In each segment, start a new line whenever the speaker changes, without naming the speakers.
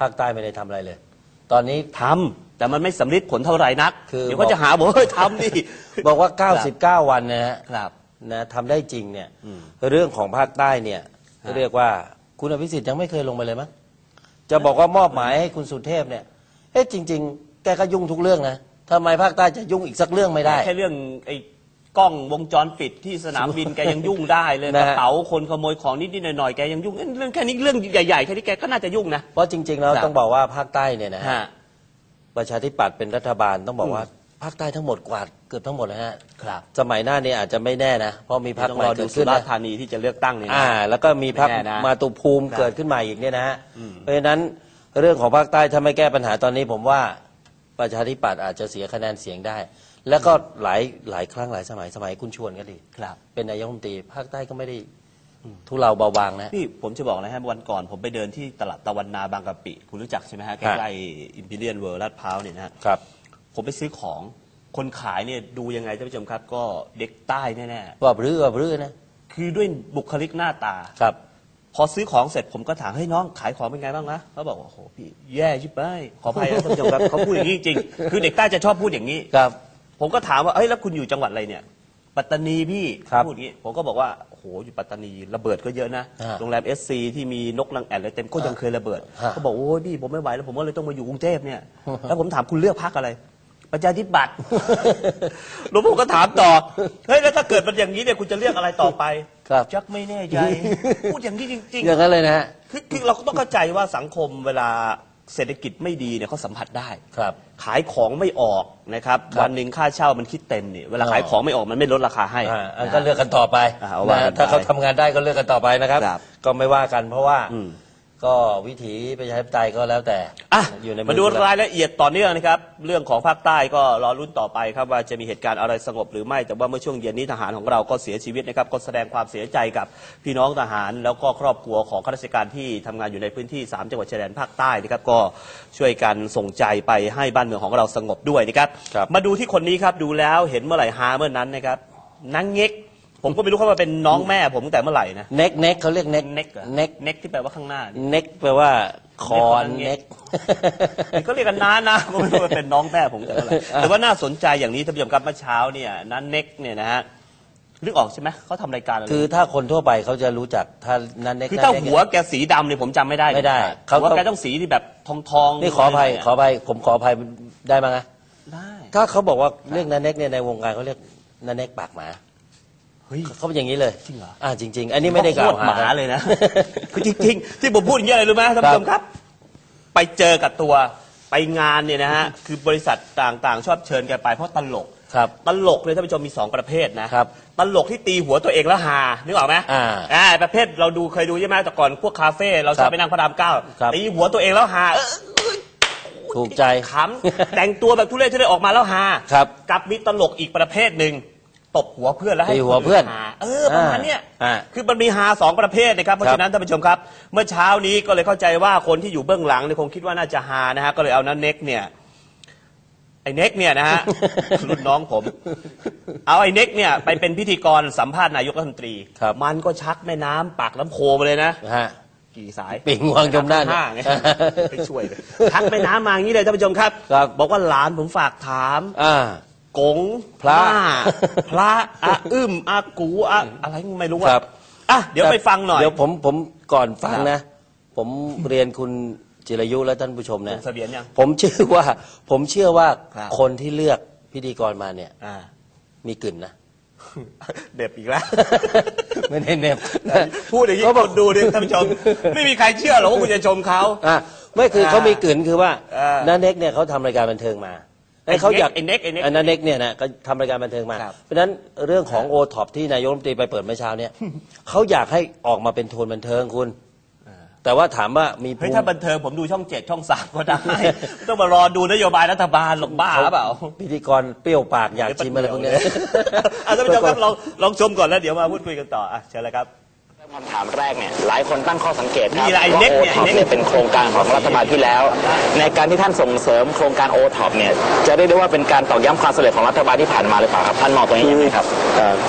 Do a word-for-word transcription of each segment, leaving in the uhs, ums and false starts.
ภาคใต้ไม่ได้ทำอะไรเลยตอนนี้
ทำแต่มันไม่สำลิดผลเท่าไหร่นักเดี๋ยวก็จะหาบอกเฮ้ยทำดิ
บอกว่าเก้าสิบเก้าวันนะฮะ
ครับ
นะทำได้จริงเนี่ยเรื่องของภาคใต้เนี่ยเรียกว่าคุณอภิสิทธิ์ยังไม่เคยลงไปเลยมั้งจะบอกว่ามอบหมายให้คุณสุเทพเนี่ยเอ๊ะจริงๆแกก็ยุ่งทุกเรื่องนะทำไมภาคใต้จะยุ่งอีกสักเรื่องไม่ได้
แค่เรื่องไอ้กล้องวงจรปิดที่สนามบินแกยังยุ่งได้เลยกระเป๋าคนขโมยของนิดๆหน่อยๆแกยังยุ่งเรื่องแค่นี้เรื่องใหญ่ๆแค่นี้แกก็น่าจะยุ่งนะ
เพราะจริงๆแล้วต้องบอกว่าภาคใต้เนี่ยนะฮะประชาธิปัตย์เป็นรัฐบาลต้องบอกว่าภาคใต้ทั้งหมดกวาดเกือบทั้งหมดนะฮะสมัยหน้านี้อาจจะไม่แน่นะเพราะมีพรรคใหม่เกิดขึ้น
นะสุราษฎร์ธานีที่จะเลือกตั้งเนี่ย
อ่าแล้วก็มีพรรคมาตุภูมิเกิดขึ้นใหม่อีกเนี่ยนะฮะเพราะฉะนั้นเรื่องของภาคใต้ถ้าไม่แก้ปัญหาตอนนี้ผมว่าประชาธิปัตย์อาจจะเสียคะแนนเสียงได้แล้วก็หลายหลายครั้งหลายสมัยสมัยคุณชวนก็ดีเป็นนายกรัฐมนตรีภาคใต้ก็ไม่ได้ทุเลาเบาบางนะ
พี่ผมจะบอกนะฮะวันก่อนผมไปเดินที่ตลาดตะวันนาบางกะปิคุณรู้จักใช่ไหมฮะใกล้ๆอิมพีเรียลเวิลด์ลาดพร้าวเนี่ยนะครับผมไปซื้อของคนขายเนี่ยดูยังไงท่านผู้ชมครับก็เด็กใต้แน่
ๆว่ารื้อว่ารื้อนะ
คือด้วยบุคลิกหน้าตา
ครับ
พอซื้อของเสร็จผมก็ถามเฮ้ยน้องขายของเป็นไงบ้างนะเขาบอกว่าโอ้โหพี่แย่ชิบไปขออภัยนะท่านผู้ชมครับเขาพูดอย่างนี้จริงคือเด็กใต้จะชอบพูดอย่างนี้
ครับ
ผมก็ถามว่าเอ้ยแล้วคุณอยู่จังหวัดอะไรเนี่ยปัตตานีพี่พูดอย่างนี้ผมก็บอกว่าโอ้โหอยู่ปัตตานีระเบิดก็เยอะนะโรงแรมเอสซีที่มีนกนางแอ่นอะไรเต็มก็ยังเคยระเบิดเขาบอกโอ้ยพี่ผมไม่ไหวแล้วผมก็เลยต้องมาอยู่กรุงเทพเนี่ยแล้วผมถามคุณเลือกพรรคอะไรประชาธิปัตย์หลวงพ่อก็ถามต่อเฮ้ยแล้วถ้าเกิดมันอย่างนี้เนี่ยคุณจะเลือกอะไรต่อไปจักไม่แน่ใจพูดอย่างนี้จริงๆ
อย่างนั้นเลยนะ
คือคือเราก็ต้องเข้าใจว่าสังคมเวลาเศรษฐกิจไม่ดีเนี่ยเขาสัมผัสได้
ครับ
ขายของไม่ออกนะครับวันหนึ่งค่าเช่ามันคิดเต็มเนี่ยเวลาขายของไม่ออกมันไม่ลดราคาให้
อันก็เลือกกันต่อไปถ้าเขาทำงานได้ก็เลือกกันต่อไปนะครับก็ไม่ว่ากันเพราะว่าก็วิถีประชาธิปไตยก็แล้วแต่
อยู่ในมาดูรายละเอียดต่อเนื่องนะครับเรื่องของภาคใต้ก็รอรุ้นต่อไปครับว่าจะมีเหตุการณ์อะไรสงบหรือไม่แต่ว่าเมื่อช่วงเย็นนี้ทหารของเราก็เสียชีวิตนะครับก็แสดงความเสียใจกับพี่น้องทหารแล้วก็ครอบครัวของข้าราชการที่ทำงานอยู่ในพื้นที่สามจังหวัดชายแดนภาคใต้นะครับก็ช่วยกันส่งใจไปให้บ้านเมืองของเราสงบด้วยนะครับมาดูที่คนนี้ครับดูแล้วเห็นเมื่อไหร่ฮาเมื่อนั้นนะครับนางเง็กผมก็ไม่รู้เขาว่าเป็นน้องแม่ผมตั้งแต่เมื่อไหร่นะ
เน็กเน็กเขาเรียกเน็ก
เน็กเน็กเน็กที่แปลว่าข้างหน้า
เน็กแปลว่าคอนเน็ก
ก็เรียกกันน้านะก็ไม่รู้ว่าเป็นน้องแม่ผมแต่เมื่อไหร่แต่ว่าน่าสนใจอย่างนี้ท่านผู้ชมครับเมื่อเช้าเนี่ยนั้นเน็กเนี่ยนะฮะนึกออกใช่ไหมเขาทำรายการอะไร
คือถ้าคนทั่วไปเขาจะรู้จักถ้านั้นเน็ก
คือถ้าหัวแกสีดำเนี่ยผมจำไม่ได้
ไม่ได้
หัวแกต้องสีที่แบบทองทอง
นี่ขออภัยขออภัยผมขออภัยได้ไหมนะได้ถ้าเขาบอกว่าเรียกนั้นเน็กเนี่ยในวงการเขาเรียกนั้นเน็กปากหมาเขาเป็นอย่างนี้เลย
จริงเหรอ
อ่าจริงๆอันนี้ไม่ได้กล่าวหา
หมาเลยนะคือจริงๆที่ผมพูดอย่างนี้อะไรรู้ไหมท่านผู้ชมครับไปเจอกับตัวไปงานเนี่ยนะฮะคือบริษัทต่างๆชอบเชิญแกไปเพราะตลก
ครับ
ตลกเลยท่านผู้ชมมีสองประเภทนะครับตลกที่ตีหัวตัวเองแล้วฮานึกออกไหม
อ่า
อ่าประเภทเราดูเคยดูใช่ไหมแต่ก่อนพวกคาเฟ่เราชอบไปนั่งพระรามเก้าตีหัวตัวเองแล้วฮา
ถูกใจ
ขำแต่งตัวแบบทุเรศทุเรศออกมาแล้วฮา
ครับ
กับมีตลกอีกประเภทหนึ่งตบหัวเพื่อนแล้วให้
หัวเพื่อน
เออประมาณเนี้ยคือมันมีฮาสองประเภทนะครับเพราะฉะนั้นท่านผู้ชมครับเมื่อเช้านี้ก็เลยเข้าใจว่าคนที่อยู่เบื้องหลังเนี่ยคงคิดว่าน่าจะฮานะฮะก็เลยเอานั้นเน็กเนี่ยไอ้เน็กเนี่ยนะฮะรุ่นน้องผมเอาไอ้เน็กเนี่ยไปเป็นพิธีกรสัมภาษณ์นายกรัฐมนตรีมันก็ชักแม่น้ำปากลำโพไปเลยนะกี่สาย
ปิ่งวางจมด้าน
ไปช่วยชักแม่น้ำมาอย่างนี้เลยท่านผู้ชมครับบอกว่าหลานผมฝากถามกงพระพระอาอึมอากูอะอะไรไม่รู้ว่าอ่ะเดี๋ยวไปฟังหน่อย
เดี๋ยวผมผมก่อนฟังนะผมเรียนคุณจิรายุและท่านผู้ชมนะผมเชื่อว่าผมเชื่อว่าคนที่เลือกพิธีกรมาเนี่ยมีกลิ่นนะ
เด็บอีกแล้ว
ไม่ได้เน็บ
พูดอย่างนี้คนดูดิท่านผู้ชมไม่มีใครเชื่อหรอกว่าคุณจะชมเขา
อ่ะไม่คือเขามีกลิ่นคือว่าน้าเน็กเนี่ยเขาทำรายการบันเทิงมาเขาอยาก
ไอ้เน็กไอ้เน็ก
อันนั้นเน็กเนี่ยนะก็ทำรายการบันเทิงมาเพราะฉะนั้นเรื่องของโอท็อปที่นายกรัฐมนตรีไปเปิดเมื่อเช้าเนี่ยเขาอยากให้ออกมาเป็นโทนบันเทิงคุณแต่ว่าถามว่ามี
เฮ้ยถ้าบันเทิงผมดูช่องเจ็ดช่องสามก็ได้ต้องมารอดูนโยบายรัฐบาลหรอกบ้าเปล่า
พิธีกรเปรี้ยวปากอยากชิมอะไรพวกนี้
ท่านผู้ชมครับลองลองชมก่อนแล้วเดี๋ยวมาพูดคุยกันต่ออ่ะเชิญเลยครับ
คำถามแรกเนี่ยหลายคนตั้งข้อสังเกตครับ
ว่าโอท็อป
เนี่ยเป็นโครงการของรัฐบาลที่แล้วในการที่ท่านส่งเสริมโครงการโอท็อปเนี่ยจะได้ได้ว่าเป็นการตอกย้ำความสำเร็จของรัฐบาลที่ผ่านมาหรือเปล่าครับท่านมองตรงนี้ยังไงครับ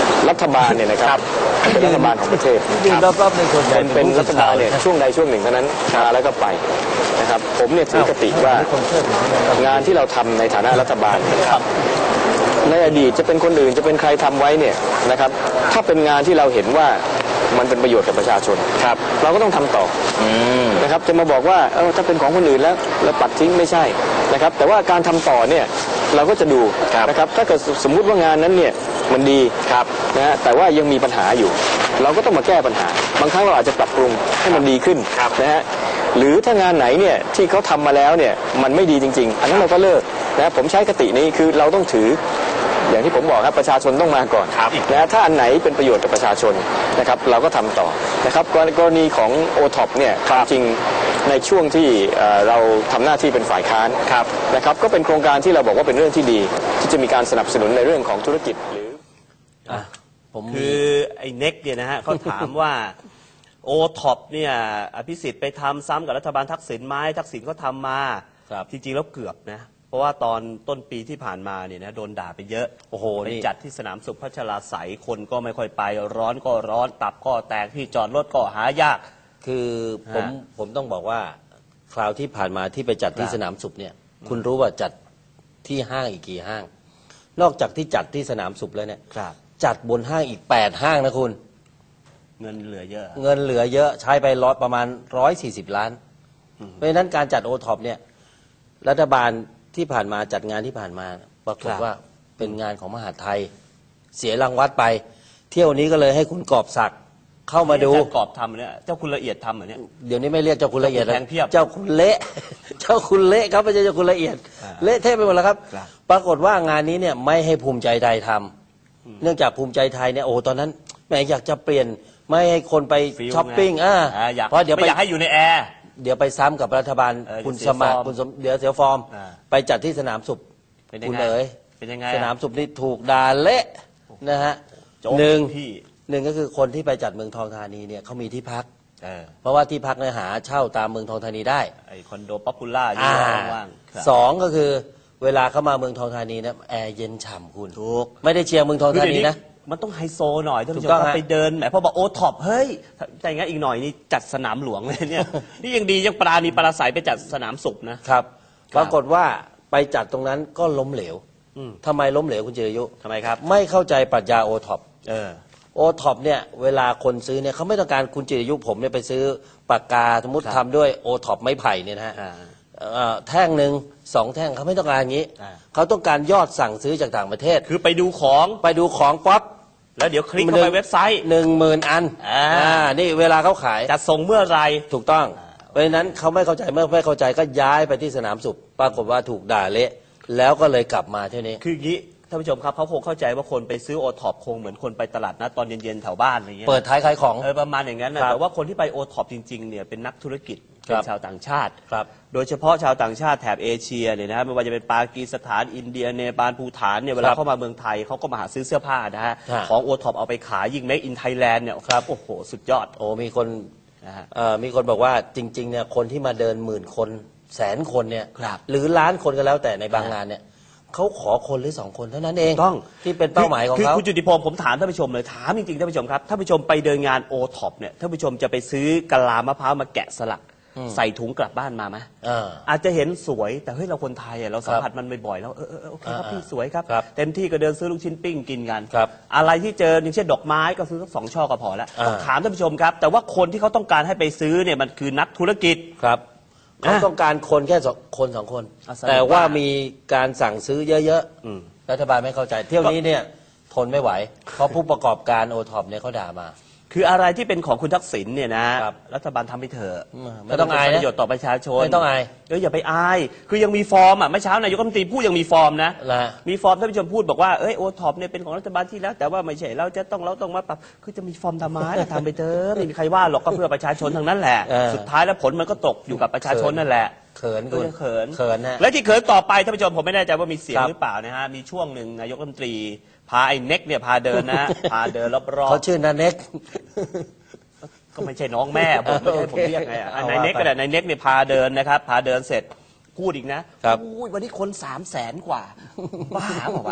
รัฐบาลเนี่ยนะครับเป็นรัฐบาลของประเทศ
ยืนรอบๆในส่วนใหญ่
เป็นรัฐบาลเนี่ยช่วงใดช่วงหนึ่งเท่านั้นมาแล้วก็ไปนะครับผมเนี่ยถือคติว่างานที่เราทำในฐานะรัฐบาลในอดีตจะเป็นคนอื่นจะเป็นใครทำไว้เนี่ยนะครับถ้าเป็นงานที่เราเห็นว่ามันเป็นประโยชน์กับประชาชนครับเราก็ต้องทำต่อนะครับจะมาบอกว่าเออถ้าเป็นของคนอื่นแล้วเราปัดทิ้งไม่ใช่นะครับแต่ว่าการทำต่อเนี่ยเราก็จะดูนะครับถ้าเกิดสมมุติว่างานนั้นเนี่ยมันดีครับนะฮะแต่ว่ายังมีปัญหาอยู่เราก็ต้องมาแก้ปัญหาบางครั้งเราอาจจะปรับปรุงให้มันดีขึ้นนะฮะหรือถ้างานไหนเนี่ยที่เขาทำมาแล้วเนี่ยมันไม่ดีจริงๆอันนั้นเราก็เลิกนะผมใช้คตินี้คือเราต้องถืออย่างที่ผมบอกครับประชาชนต้องมาก่อนนะถ้าอันไหนเป็นประโยชน์กับประชาชนนะครับเราก็ทำต่อนะครับกรณีของ โอ ท็อป เนี่ยจริงในช่วงที่เราทำหน้าที่เป็นฝ่ายค้านนะครับก็เป็นโครงการที่เราบอกว่าเป็นเรื่องที่ดีที่จะมีการสนับสนุนในเรื่องของธุรกิจหรือ
ผมคือไอ้เน็กเนี่ยนะฮะเขาถามว่า โอ ท็อป เนี่ยอภิสิทธิ์ไปทำซ้ำกับรัฐบาลทักษิณไหมทักษิณก็ทำมาจริงๆแล้วเกือบนะเพราะว่าตอนต้นปีที่ผ่านมาเนี่ยนะโดนด่าไปเยอะโอ้โหไปจัดที่สนามสุขพัชราไสยคนก็ไม่ค่อยไปร้อนก็ร้อนตับก็แตกที่จอดรถก็หายาก
คือผมผมต้องบอกว่าคราวที่ผ่านมาที่ไปจัดที่สนามสุขเนี่ยคุณรู้ว่าจัดที่ห้างอีกกี่ห้าง นอกจากที่จัดที่สนามสุขแล้วเนี่ยจัดบนห้างอีกแปดห้างนะคุณ
เงินเหลือเยอะ
เงินเหลือเยอะใช้ไปร้อยประมาณร้อยสี่สิบล้านเพราะฉะนั้นการจัดโอท็อปเนี่ยรัฐบาลที่ผ่านมาจัดงานที่ผ่านมาปรากฏว่าเป็นงานของมหาดไทยเสียรางวัลไปเที่ยวนี้ก็เลยให้คุณกอบศักดิ์เข้ามาดู
กอบทำเนี่ยเจ้าคุณละเอียดทำเหรอเนี่ย
เดี๋ยวนี้ไม่เรียกเจ้าคุณละเอียดแล้ว
เ
จ้าคุณเละเจ้าคุณเละครับไม่ใช่เจ้าคุณละเอียดเละเทะไปหมดแล้วครับปรากฏว่างานนี้เนี่ยไม่ให้ภูมิใจไทยทำเนื่องจากภูมิใจไทยเนี่ยโอ้ตอนนั้นแหมอยากจะเปลี่ยนไม่ให้คนไปช้อปปิ้งอ่า
เพราะเดี๋ยวไม่อยากให้อยู่ในแอร์
เดี๋ยวไปซ้ำกับรัฐบาลคุณสมัครคุณสมเดี๋ยวเสียฟอร์มไปจัดที่สนามสุขคุณเอ๋ยสนามสุขนี่ถูกด่าเละนะฮะหนึ่งหนึ่งก็คือคนที่ไปจัดเมืองทองธานีเนี่ยเขามีที่พักเพราะว่าที่พักเนี่ยหาเช่าตามเมืองทองธานีได้
ไอคอนโดป๊อปปูล่าอยู่ว่าง
สองก็คือเวลาเข้ามาเมืองทองธานีนะแอร์เย็นฉ่ำคุณถูกไม่ได้เชียร์เมืองทองธานีนะ
มันต้องไฮโซหน่อยท่านผู้ชมไปเดินแหมพอบอกโอท็อปเฮ้ยแต่งั้นอีกหน่อยนี่จัดสนามหลวงเลยเนี่ยนี่ยังดียังปราณีปราศัยไปจัดสนามสุขนะครับ
ปรากฏว่าไปจัดตรงนั้นก็ล้มเหลวทำไมล้มเหลวคุณจิรายุ
ทำไมครับ
ไม่เข้าใจปรัชญาโอท็อปโอท็อปเนี่ยเวลาคนซื้อเนี่ยเขาไม่ต้องการคุณจิรายุผมเนี่ยไปซื้อปากกาสมมติทำด้วยโอท็อปไม้ไผ่เนี่ยนะฮะแท่งหนึ่งสองแท่งเขาไม่ต้องการอย่างนี้เขาต้องการยอดสั่งซื้อจากต่างประเทศ
คือไปดูของ
ไปดูของป๊อป
แล้วเดี๋ยวคลิกเข้าไปเว็บไซต์
หนึ่งหมื่นอันอ่านี่เวลาเขาขาย
จัดส่งเมื่อไร
ถูกต้องเพราะฉะนั้นเขาไม่เข้าใจเมื่อไม่เข้าใจก็ย้ายไปที่สนามสุขปรากฏว่าถูกด่าเละแล้วก็เลยกลับมาเท่านี้
คืออย่างนี้ท่านผู้ชมครับเขาคงเข้าใจว่าคนไปซื้อโอท็อปคงเหมือนคนไปตลาดนัดตอนเย็นๆแถวบ้านอะไรเงี้ย
เปิดท้ายขายของ
เออประมาณอย่างนั้นนะแต่ว่าคนที่ไปโอท็อปจริงๆเนี่ยเป็นนักธุรกิจเป็นชาวต่างชาติโดยเฉพาะชาวต่างชาติแถบเอเชียเนี่ยนะฮะไม่ว่าจะเป็นปากีสถานอินเดียเนปาลภูฏานเนี่ยเวลาเข้ามาเมืองไทยเขาก็มาหาซื้อเสื้อผ้านะฮะของโอท็อปเอาไปขายยิ่งเมคอินไทยแลนด์เนี่ยโอ้โหสุดยอด
โอ้มีคนมีคนบอกว่าจริงๆเนี่ยคนที่มาเดินหมื่นคนแสนคนเนี่ยหรือล้านคนก็แล้วแต่ในบางงานเนี่ยเขาขอคนหรือสองคนเท่านั้นเอง
ต้อง
ที่เป็นเป้าหมายของเขา
คือคุณจุติพงศ์ผมถามท่านผู้ชมเลยถามจริงๆท่านผู้ชมครับท่านผู้ชมไปเดินงานโอท็อปเนี่ยท่านผู้ชมจะไปซื้อกะลามะพร้าวมาแกะสลักใส่ถุงกลับบ้านมาไหมอาจจะเห็นสวยแต่เฮ้ยเราคนไทยเราสัมผัสมันบ่อยๆแล้วเออโอเคครับพี่สวยครับเต็มที่ก็เดินซื้อลูกชิ้นปิ้งกินกันอะไรที่เจออย่างเช่นดอกไม้ก็ซื้อสักสองช่อก็พอแล้วต้องถามท่านผู้ชมครับแต่ว่าคนที่เขาต้องการให้ไปซื้อเนี่ยมันคือนักธุรกิจ
ครับเขาต้องการคนแค่คนสองคนแต่ว่ามีการสั่งซื้อเยอะๆรัฐบาลไม่เข้าใจเที่ยวนี้เนี่ยทนไม่ไหวเพราะผู้ประกอบการโอท็อปเนี่ยเขาด่ามา
คืออะไรที่เป็นของคุณทักษิณเนี่ยนะรัฐบาลทำไปเถอะ
ไม่ต้องอาย
ประโยชน์ต่อประชาชน
ไม่ต้องอาย
เอออย่าไปอายคือยังมีฟอร์มอ่ะเมื่อเช้านายกรัฐมนตรีพูดยังมีฟอร์มนะมีฟอร์มท่านผู้ชมพูดบอกว่าเอ้ยโอท็อปเนี่ยเป็นของรัฐบาลที่แล้วแต่ว่าไม่ใช่เราจะต้องเราต้องมาปรับคือจะมีฟอร์มทำไมทำไปเถอะไม่มีใครว่าหรอกก็เพื่อประชาชนทั้งนั้นแหละสุดท้ายแล้วผลมันก็ตกอยู่กับประชาชนนั่นแหละ
เขิน
ก็เขิน
เขินนะ
และที่เขินต่อไปท่านผู้ชมผมไม่แน่ใจว่ามีเสียงหรือเปล่านะฮะมีช่วงหนึ่งนายกรัฐมนตรีพาไอ้เน็กเนี่ยพาเดินนะพาเดินรอบๆ
เขาชื่อนาเน็ก
ก็ไม่ใช่น้องแม่ผมไม่ใช่ผมเรียกไงอ่ะนายเน็กก็ได้นายเน็กเนี่ยพาเดินนะครับพาเดินเสร็จพูดอีกนะอุ้ยวันนี้คนสามแสนกว่าบ้าเปล่าวะ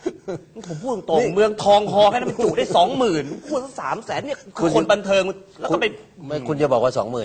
ผมพูดตรงๆเมืองทองฮอแค่นั้นมันจุได้สองหมื่นพูดสามแสนเนี่ยคือคนบันเทิงแล้วก็ไป
ไม่คุณจะบอกว่าสองหมื่น